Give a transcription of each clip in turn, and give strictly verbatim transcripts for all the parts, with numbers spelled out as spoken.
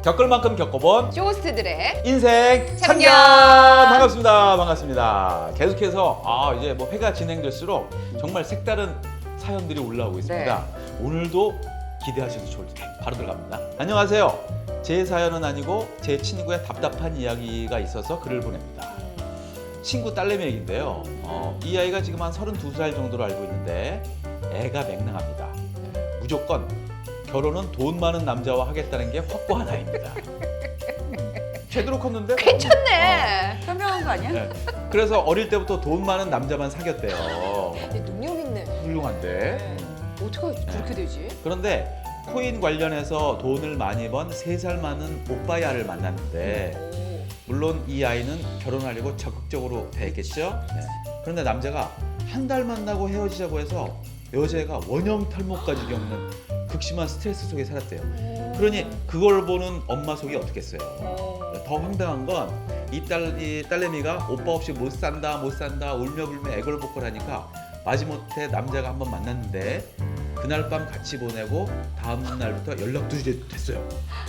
겪을 만큼 겪어본 쇼호스트들의 인생 참견. 참견. 반갑습니다. 반갑습니다. 계속해서 아 이제 뭐 회가 진행될수록 정말 색다른 사연들이 올라오고 있습니다. 네. 오늘도 기대하셔도 좋을 듯 바로 들어갑니다. 안녕하세요. 제 사연은 아니고 제 친구의 답답한 이야기가 있어서 글을 보냅니다. 친구 딸내미 얘기인데요. 어, 이 아이가 지금 한 서른두 살 정도로 알고 있는데 애가 맹랑합니다. 무조건 결혼은 돈 많은 남자와 하겠다는 게 확고한 아이입니다. 제대로 컸는데? 괜찮네. 현명한 거 아니야? 네. 그래서 어릴 때부터 돈 많은 남자만 사귀었대요. 근데 능력 있네. 훌륭한데. 어떻게 그렇게 되지? 그런데 코인 관련해서 돈을 많이 번 세 살 많은 오빠야를 만났는데 물론 이 아이는 결혼하려고 적극적으로 대했겠죠. 네. 그런데 남자가 한 달 만나고 헤어지자고 해서 여자애가 원형 탈모까지 겪는 극심한 스트레스 속에 살았대요. 그러니 그걸 보는 엄마 속이 어떻겠어요. 더 황당한 건 이 딸이 딸내미가 오빠 없이 못 산다 못 산다 울며 불며 애걸복걸하니까 마지못해 남자가 한번 만났는데 그날 밤 같이 보내고 다음 날부터 연락도 됐어요.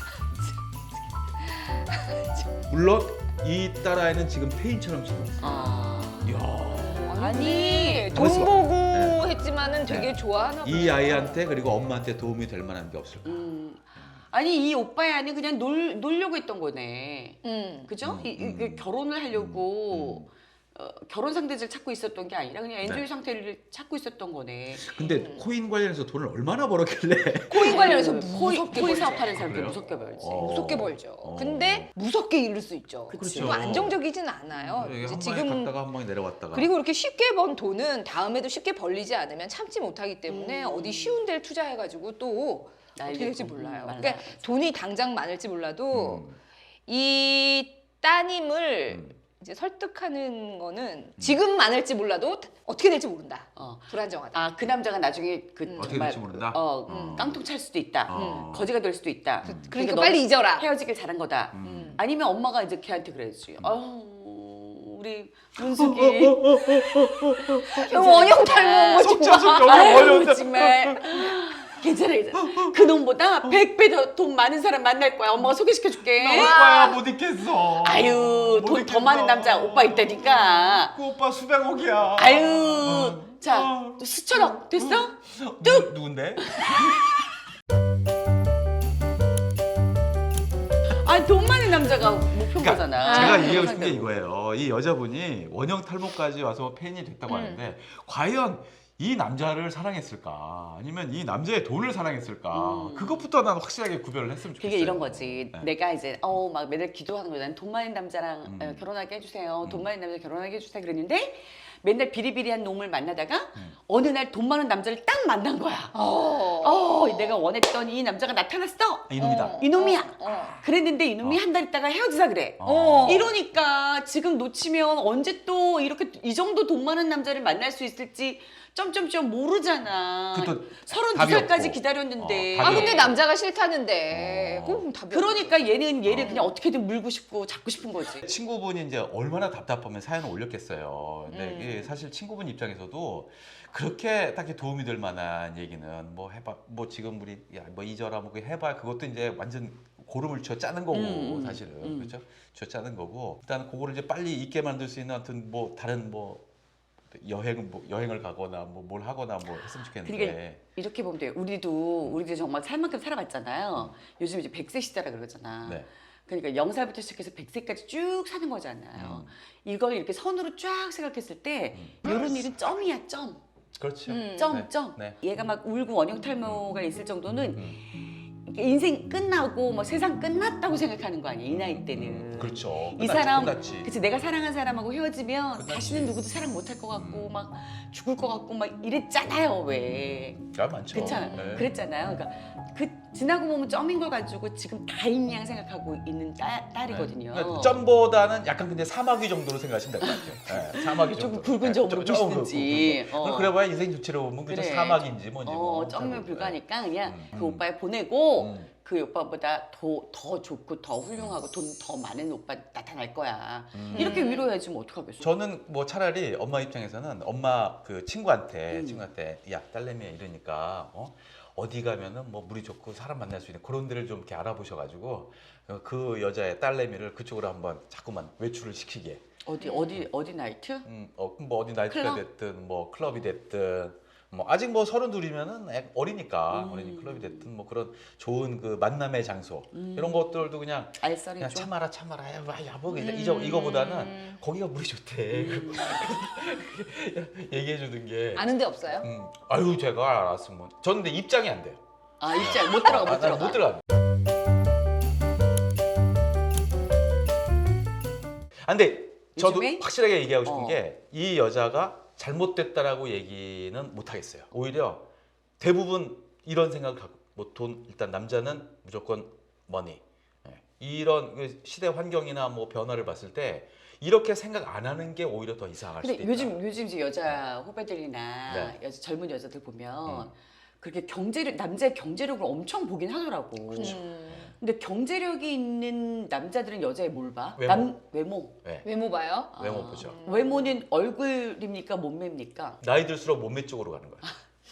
물론 이 딸아이는 지금 폐인처럼 지내고 있어요. 아... 이야. 아니 돈 가만있어 봐. 보고 네. 했지만은 되게 네. 좋아하나 이 아이한테 그리고 엄마한테 도움이 될 만한 게 없을까? 음. 아니 이 오빠야는 그냥 놀, 놀려고 했던 거네. 음. 그죠? 음, 이, 이, 음, 이 결혼을 하려고 어, 결혼 상대를 찾고 있었던 게 아니라 그냥 엔조이 네. 상태를 찾고 있었던 거네. 근데 음. 코인 관련해서 돈을 얼마나 벌었길래? 코인 관련해서 그 코인, 무섭게 코인 벌죠. 사업하는 사람들 그래요? 무섭게 벌지. 어. 무섭게 벌죠. 어. 근데 무섭게 잃을 수 있죠. 그치. 뭐 안정적이진 않아요. 이게 이제 한 방에 지금 갔다가 한 방에 내려왔다가. 그리고 이렇게 쉽게 번 돈은 다음에도 쉽게 벌리지 않으면 참지 못하기 때문에 음. 어디 쉬운 데를 투자해가지고 또 어떻게 될지 날리고, 몰라요. 음, 그러니까 말라야지. 돈이 당장 많을지 몰라도 음. 이 따님을 음. 이제 설득하는 거는 지금 많을지 몰라도 어떻게 될지 모른다. 어. 불안정하다. 아, 그 남자가 나중에 그 음. 어떻게 정말 될지 모른다. 어, 음. 깡통 찰 수도 있다. 어. 거지가 될 수도 있다. 음. 그러니까 너 빨리 잊어라. 헤어지길 잘한 거다. 음. 아니면 엄마가 이제 걔한테 그래야지. 아유, 우리 어, 문숙이 원형 탈모 뭐 속자, 속자, 아유, 원형 탈모. 정말 괜찮아, 괜찮아. 그 놈보다 백 배 더 돈 많은 사람 만날 거야. 엄마가 소개시켜줄게. 오빠야 못 있겠어. 아유, 못 돈 더 있겠어. 많은 남자 오빠 있다니까. 그 오빠 수백억이야. 아유, 어. 자, 어. 또 수천억 됐어? 누, 누군데? 아, 돈 많은 남자가 목표인 그러니까 거잖아. 제가 아, 이해하고 싶은 게 상대로. 이거예요. 이 여자분이 원형 탈모까지 와서 폐인이 됐다고 음. 하는데 과연 이 남자를 사랑했을까? 아니면 이 남자의 돈을 사랑했을까? 음. 그것부터 난 확실하게 구별을 했으면 좋겠어요. 그게 이런 거지. 네. 내가 이제 어 막 맨날 기도하는 거잖아. 돈 많은 남자랑 음. 어, 결혼하게 해주세요. 돈 음. 많은 남자 결혼하게 해주세요. 그랬는데 맨날 비리비리한 놈을 만나다가 음. 어느 날 돈 많은 남자를 딱 만난 거야. 어. 어, 내가 원했던 이 남자가 나타났어. 이놈이다. 어. 이놈이야. 어. 그랬는데 이놈이 어. 한 달 있다가 헤어지자 그래. 어. 이러니까 지금 놓치면 언제 또 이렇게 이 정도 돈 많은 남자를 만날 수 있을지 점점점 모르잖아. 그것도 서른두 답이 살까지 없고. 기다렸는데. 어, 아 답이 근데 없고. 남자가 싫다는데 어. 그럼 답이 그러니까 얘는 얘를 어. 그냥 어떻게든 물고 싶고 잡고 싶은 거지. 친구분이 이제 얼마나 답답하면 사연을 올렸겠어요. 근데 음. 이게 사실 친구분 입장에서도 그렇게 딱히 도움이 될 만한 얘기는 뭐 해봐, 뭐 지금 우리 야 뭐 잊어라 뭐 그거 해봐 그것도 이제 완전 고름을 쥐어 짜는 거고 음, 사실은 음. 그렇죠? 쥐어 짜는 거고 일단 그거를 이제 빨리 잊게 만들 수 있는 하여튼 뭐 다른 뭐 여행 뭐 여행을 가거나 뭐 뭘 하거나 뭐 했으면 좋겠는데. 그러니까 이렇게 보면 돼요. 우리도 우리도 정말 살 만큼 살아봤잖아요. 요즘 이제 백 세 시대라 그러잖아. 네. 그러니까 영 살부터 시작해서 백 세까지 쭉 사는 거잖아요. 음. 이걸 이렇게 선으로 쫙 생각했을 때 이런 일은 점이야, 점. 그렇죠. 음. 점, 네. 점. 네. 얘가 막 울고 원형 탈모가 있을 정도는 음. 이렇게 인생 끝나고 뭐 세상 끝났다고 생각하는 거 아니야, 이 나이 때는. 그렇죠. 이 끝났지, 사람, 끝났지. 그치, 내가 사랑한 사람하고 헤어지면 끝났지. 다시는 누구도 사랑 못 할 것 같고 음. 막 죽을 것 같고 막 이랬잖아요, 왜. 야 많죠. 괜찮아. 네. 그랬잖아요. 그러니까 그 지나고 보면 점인 걸 가지고 지금 다인 양 생각하고 있는 딸, 딸이거든요. 네. 그러니까 점보다는 약간 근데 사마귀 정도로 생각하시면 될 것 같아요. 네, 사마귀 조금 정도. 굵은 네, 점으로 조- 조금 보시든지. 굵고. 어. 그래봐야 인생 좋지로 보면 그저 그래. 사막인지 뭔지. 어, 뭐. 점면 잘 불가니까 그냥 음. 그 오빠에 보내고 음. 그 오빠보다 더, 더 좋고 더 훌륭하고 돈 더 많은 오빠 나타날 거야. 음. 이렇게 위로해야지 뭐 어떡하겠어. 저는 뭐 차라리 엄마 입장에서는 엄마 그 친구한테 음. 친구한테 야 딸내미 이러니까 어 어디 가면은 뭐 물이 좋고 사람 만날 수 있는 그런 데를 좀 이렇게 알아보셔가지고 그 여자의 딸내미를 그쪽으로 한번 자꾸만 외출을 시키게. 어디 어디 어디 나이트? 음, 어, 뭐 어디 나이트가 클럽? 됐든 뭐 클럽이 됐든 뭐 아직 뭐 서른 둘이면은 어리니까 음. 어린이 클럽이 됐든 뭐 그런 좋은 그 만남의 장소 음. 이런 것들도 그냥 알싸리 그냥 좀. 참아라 참아라 야, 야, 뭐 음. 이거 이거보다는 거기가 물이 좋대. 음. 얘기해 주는 게. 아는 데 없어요? 음, 아유 제가 알았으면 저는 근데 입장이 안 돼요. 아 입장 못 들어가 못 아, 나는 들어가. 못 들어가. 아, 근데 저도 요즘에? 확실하게 얘기하고 싶은 어. 게 이 여자가 잘못됐다라고 얘기는 못 하겠어요. 오히려 대부분 이런 생각을 갖고 뭐 돈 일단 남자는 무조건 머니. 예. 이런 그 시대 환경이나 뭐 변화를 봤을 때 이렇게 생각 안 하는 게 오히려 더 이상할 수도 근데 있다. 요즘 요즘 이제 여자 후배들이나 네. 여자, 젊은 여자들 보면 음. 그렇게 경제력 남자의 경제력을 엄청 보긴 하더라고. 음. 근데 경제력이 있는 남자들은 여자의 뭘 봐? 외모. 남 외모. 네. 외모 봐요? 외모 아, 보죠. 외모는 얼굴입니까 몸매입니까? 나이 들수록 몸매 쪽으로 가는 거야.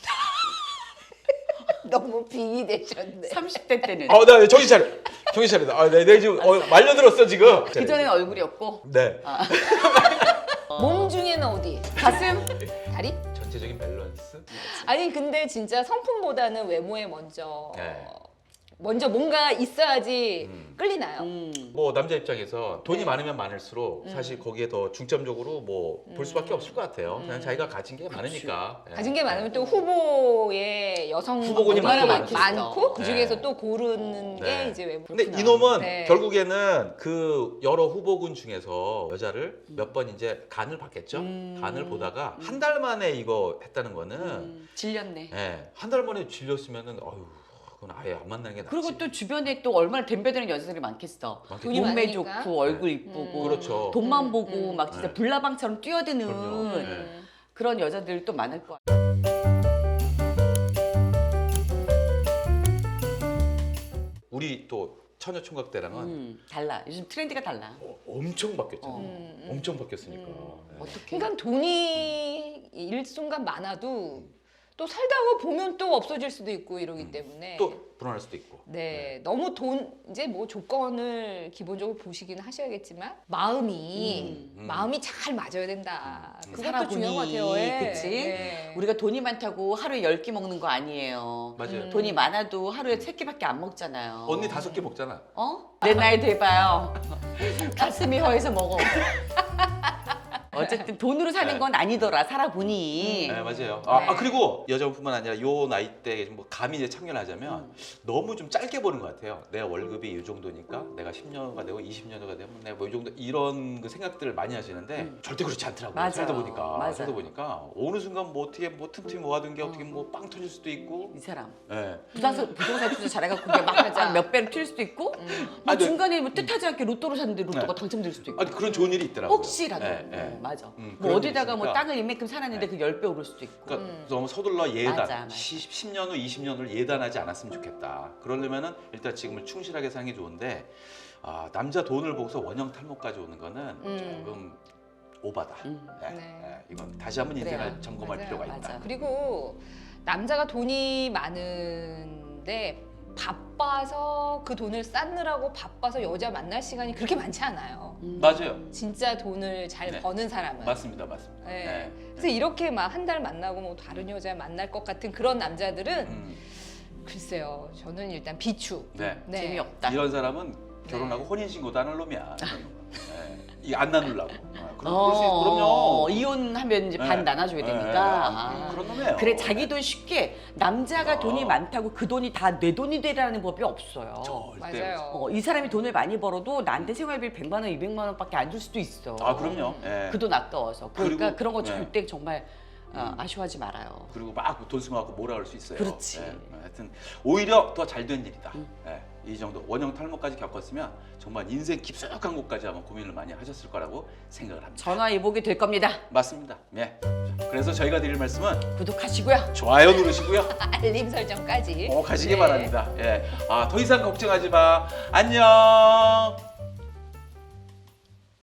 너무 빙이 되셨네. 삼십 대 때는 아, 나 정신 차려. 정신 차려. 아, 내, 내 지금 어, 말려들었어 지금. 그 전에는 얼굴이었고 네. 몸 중에는 어디? 가슴 다리? 전체적인 밸런스. 아니 근데 진짜 성품보다는 외모에 먼저 네. 먼저 뭔가 있어야지 음. 끌리나요? 음. 뭐 남자 입장에서 돈이 네. 많으면 많을수록 음. 사실 거기에 더 중점적으로 뭐 볼 수밖에 음. 없을 것 같아요. 그냥 음. 자기가 가진 게 많으니까. 예. 가진 게 많으면 또 후보의 여성 후보군이 얼마나 많겠어. 많고 그 중에서 네. 또 고르는 네. 게 이제 외모. 근데 그렇구나. 이놈은 네. 결국에는 그 여러 후보군 중에서 여자를 몇 번 이제 간을 봤겠죠. 음. 간을 보다가 한 달 만에 이거 했다는 거는 음, 질렸네. 예, 한 달 만에 질렸으면은 어휴, 그건 아예 안 만나는 게 낫지. 그리고 또 주변에 또 얼마나 덤벼드는 여자들이 많겠어. 많겠죠. 돈이 몸매 많으니까. 좋고 얼굴 이쁘고 음. 그렇죠. 돈만 음, 보고 음. 막 진짜 네. 불나방처럼 뛰어드는 그럼요. 네. 음. 그런 여자들 또 많을 거야. 우리 또 처녀 총각 때랑은 음, 달라. 요즘 트렌드가 달라. 어, 엄청 바뀌었잖아. 어. 음, 음. 엄청 바뀌었으니까. 음. 네. 어떻게? 그러니까 돈이 일순간 많아도 또 살다가 보면 또 없어질 수도 있고 이러기 음. 때문에 또 불안할 수도 있고. 네, 너무 돈 이제 뭐 조건을 기본적으로 보시긴 하셔야겠지만 마음이 음, 음. 마음이 잘 맞아야 된다. 음, 음. 그것도 살아보니, 중요한 것 같아요. 예. 그치? 네. 우리가 돈이 많다고 하루에 열 끼 먹는 거 아니에요. 맞아요. 음. 돈이 많아도 하루에 세 끼밖에 안 먹잖아요. 언니 다섯 개 먹잖아. 어? 내 나이 돼봐요. 가슴이 허해서 먹어. 어쨌든 돈으로 사는 건 아니더라. 살아보니. 네, 맞아요. 아, 네. 아, 그리고 여자분뿐만 아니라 요 나이 때 뭐 감히 이제 참견하자면 음. 너무 좀 짧게 보는 것 같아요. 내가 월급이 이 정도니까 내가 십 년가 되고 이십 년가 되면 내가 뭐 이 정도 이런 그 생각들을 많이 하시는데 음. 절대 그렇지 않더라고요. 맞아요. 살다 보니까 맞아요. 살다 보니까 어느 순간 뭐 어떻게 뭐 틈틈이 모아둔 게 어떻게 뭐 빵 터질 수도 있고. 이 사람 예. 부동산 부동산 투자 잘해갖고 그게 맞아. 막몇 배로 튈 수도 있고 음. 뭐 아, 네. 중간에 뭐 뜻하지 않게 로또를 샀는데 로또가 네. 당첨될 수도 있고 아니 그런 좋은 일이 있더라고요. 혹시라도 예, 예. 어, 맞아 음, 뭐 그런 어디다가 일이 뭐 있으니까. 땅을 이만큼 사놨는데 그 열 배 오를 수도 있고 그러니까 음. 너무 서둘러 예단, 맞아, 맞아. 십 년 후, 이십 년 후를 예단하지 않았으면 좋겠다. 그러려면은 일단 지금을 충실하게 사는 게 좋은데 아, 남자 돈을 보고서 원형 탈모까지 오는 거는 음. 조금 오바다. 음. 예, 네. 예, 이건 다시 한번 인생을 그래요. 점검할 맞아요. 필요가 있다. 맞아. 그리고 남자가 돈이 많은데 바빠서 그 돈을 쌓느라고 바빠서 여자 만날 시간이 그렇게 많지 않아요. 음. 맞아요. 진짜 돈을 잘 네. 버는 사람은. 맞습니다, 맞습니다. 네. 예. 그래서 이렇게 막 한 달 만나고 뭐 다른 여자 만날 것 같은 그런 남자들은 음, 글쎄요. 저는 일단 비추. 네. 네. 재미없다 이런 사람은 결혼하고 혼인 신고도 안 할 놈이야. 이 안 나누려고. 어, 그럼 그럴 수 있, 어, 그럼요. 이혼하면 이제 네. 반 나눠줘야 네, 되니까 네. 아. 그런 놈이에요. 그래 자기 돈 쉽게 남자가 어. 돈이 많다고 그 돈이 다 내 돈이 되라는 법이 없어요. 절대. 맞아요. 어, 이 사람이 돈을 많이 벌어도 나한테 생활비 백만 원, 이백만 원밖에 안 줄 수도 있어. 아 그럼요. 예. 그 돈 아까워서. 그러니까 그리고- 그런 거 네. 절대 정말 어, 음. 아쉬워하지 말아요. 그리고 막 돈 쓰고갖고 몰아갈 수 있어요. 그렇지. 예, 하여튼 오히려 더 잘 된 일이다. 음. 예, 이 정도 원형 탈모까지 겪었으면 정말 인생 깊숙한 곳까지 아마 고민을 많이 하셨을 거라고 생각을 합니다. 전화위복이 될 겁니다. 맞습니다. 예. 자, 그래서 저희가 드릴 말씀은 구독하시고요. 좋아요 누르시고요. 알림 설정까지. 꼭 하시기 네. 바랍니다. 예. 아, 더 이상 걱정하지 마. 안녕.